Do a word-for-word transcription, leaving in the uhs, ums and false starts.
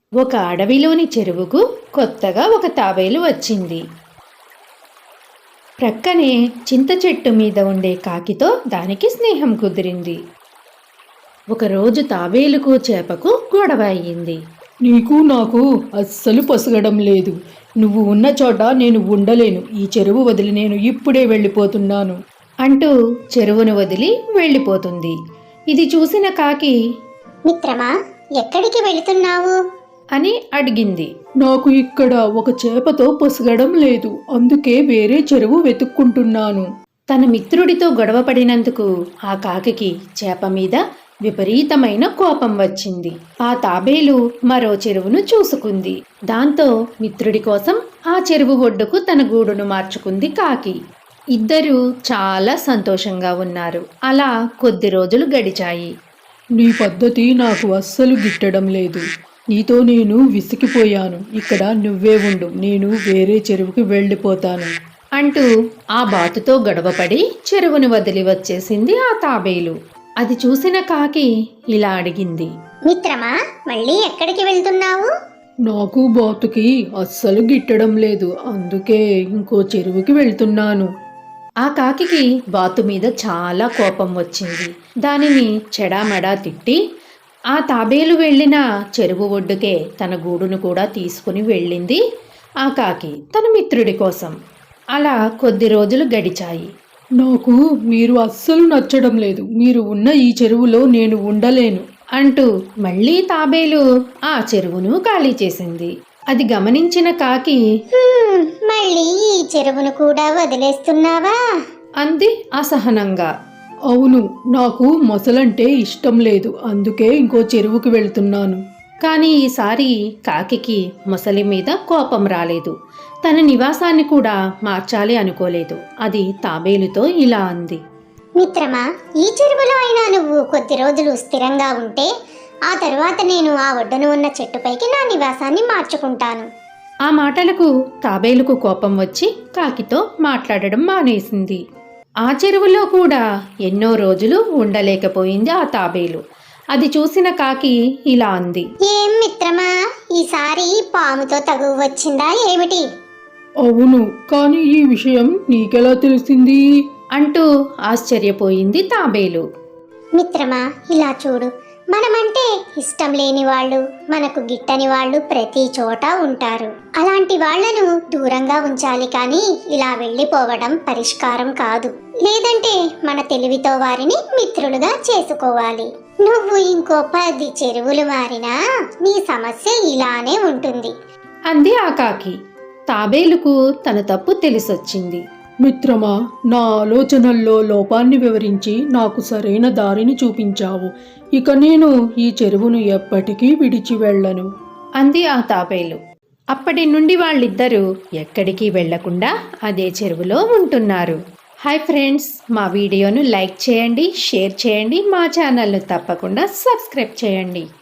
ఒక అడవిలోని చెరువుకు కొత్తగా ఒక తాబేలు వచ్చింది. ప్రక్కనే చింత చెట్టు మీద ఉండే కాకితో దానికి స్నేహం కుదిరింది. ఒకరోజు తాబేలుకు చేపకు గొడవ అయ్యింది. నీకు నాకు అస్సలు పొసగడం లేదు. నువ్వు ఉన్న చోట నేను ఉండలేను. ఈ చెరువు వదిలి నేను ఇప్పుడే వెళ్ళిపోతున్నాను అంటూ చెరువును వదిలి వెళ్ళిపోతుంది. ఇది చూసిన కాకి, మిత్రమా, ఎక్కడికి వెళుతున్నావు అని అడిగింది. నాకు ఇక్కడ ఒక చేపతో పొసగడం లేదు, అందుకే వేరే చెరువు వెతుక్కుంటున్నాను. తన మిత్రుడితో గొడవ పడినందుకు ఆ కాకికి చేప మీద విపరీతమైన కోపం వచ్చింది. ఆ తాబేలు మరో చెరువును చూసుకుంది. దాంతో మిత్రుడి కోసం ఆ చెరువు ఒడ్డుకు తన గూడును మార్చుకుంది కాకి. ఇద్దరూ చాలా సంతోషంగా ఉన్నారు. అలా కొద్ది రోజులు గడిచాయి. నీ పద్ధతి నాకు అస్సలు గిట్టడం లేదు. నీతో నేను విసిగిపోయాను. ఇక్కడ నువ్వే ఉండు, నేను వేరే చెరువుకి వెళ్ళిపోతాను అంటూ ఆ బాతుతో గొడవపడి చెరువును వదిలి వచ్చేసింది ఆ తాబేలు. అది చూసిన కాకి ఇలా అడిగింది. మిత్రమా, మళ్ళీ ఎక్కడికి వెళ్తున్నావు నాకు బాతుకి అస్సలు గిట్టడం లేదు, అందుకే ఇంకో చెరువుకి వెళ్తున్నాను. ఆ కాకికి బాతు మీద చాలా కోపం వచ్చింది. దానిని చెడామెడా తిట్టి ఆ తాబేలు వెళ్ళిన చెరువు ఒడ్డుకే తన గూడును కూడా తీసుకుని వెళ్ళింది ఆ కాకి తన మిత్రుడి కోసం. అలా కొద్ది రోజులు గడిచాయి. నాకు మీరు అస్సలు నచ్చడం లేదు. మీరు ఉన్న ఈ చెరువులో నేను ఉండలేను అంటూ మళ్ళీ తాబేలు ఆ చెరువును ఖాళీ చేసింది. అది గమనించిన కాకి, హ్మ్, మళ్ళీ ఈ చెరువును కూడా వదిలేస్తున్నావా అంది అసహనంగా. అవును, నాకు మొసలంటే ఇష్టం లేదు, అందుకే ఇంకో చెరువుకి వెళ్తున్నాను. కానీ ఈసారి కాకికి మొసలి మీద కోపం రాలేదు. తన నివాసాన్ని కూడా మార్చాలి అనుకోలేదు. అది తాబేలుతో ఇలా అంది. మిత్రమా, ఈ చెరువులో అయినా నువ్వు కొద్ది రోజులు స్థిరంగా ఉంటే ఆ తరువాత నేను ఆ ఒడ్డున ఉన్న చెట్టుపైకి నా నివాసాన్ని మార్చుకుంటాను. ఆ మాటలకు తాబేలుకు కోపం వచ్చి కాకితో మాట్లాడడం మానేసింది. ఆ చెరువులో కూడా ఎన్నో రోజులు ఉండలేకపోయింది ఆ తాబేలు. అది చూసిన కాకి ఇలా అంది. ఏం మిత్రమా, ఈసారి పాముతో తగువ వచ్చిందా ఏమిటి? అవును, కానీ ఈ విషయం నీకెలా తెలిసింది అంటూ ఆశ్చర్యపోయింది తాబేలు. మిత్రమా, ఇలా చూడు, మనమంటే ఇష్టం లేని వాళ్ళు, మనకు గిట్టని వాళ్ళు ప్రతి చోట ఉంటారు. అలాంటి వాళ్లను దూరంగా ఉంచాలి, కానీ ఇలా వెళ్ళిపోవడం పరిష్కారం కాదు. లేదంటే మన తెలివితో వారిని మిత్రులుగా చేసుకోవాలి. నువ్వు ఇంకో పది చెరువులు మారినా నీ సమస్య ఇలానే ఉంటుంది అంది ఆ కాకి. తాబేలుకు తన తప్పు తెలిసొచ్చింది. మిత్రమా, నా ఆలోచనల్లో లోపాన్ని వివరించి నాకు సరైన దారిని చూపించావు. ఇక నేను ఈ చెరువును ఎప్పటికీ విడిచి వెళ్ళను అంది ఆ తాబేలు. అప్పటి నుండి వాళ్ళిద్దరూ ఎక్కడికి వెళ్లకుండా అదే చెరువులో ఉంటున్నారు. హాయ్ ఫ్రెండ్స్, మా వీడియోను లైక్ చేయండి, షేర్ చేయండి, మా ఛానల్ను తప్పకుండా సబ్స్క్రైబ్ చేయండి.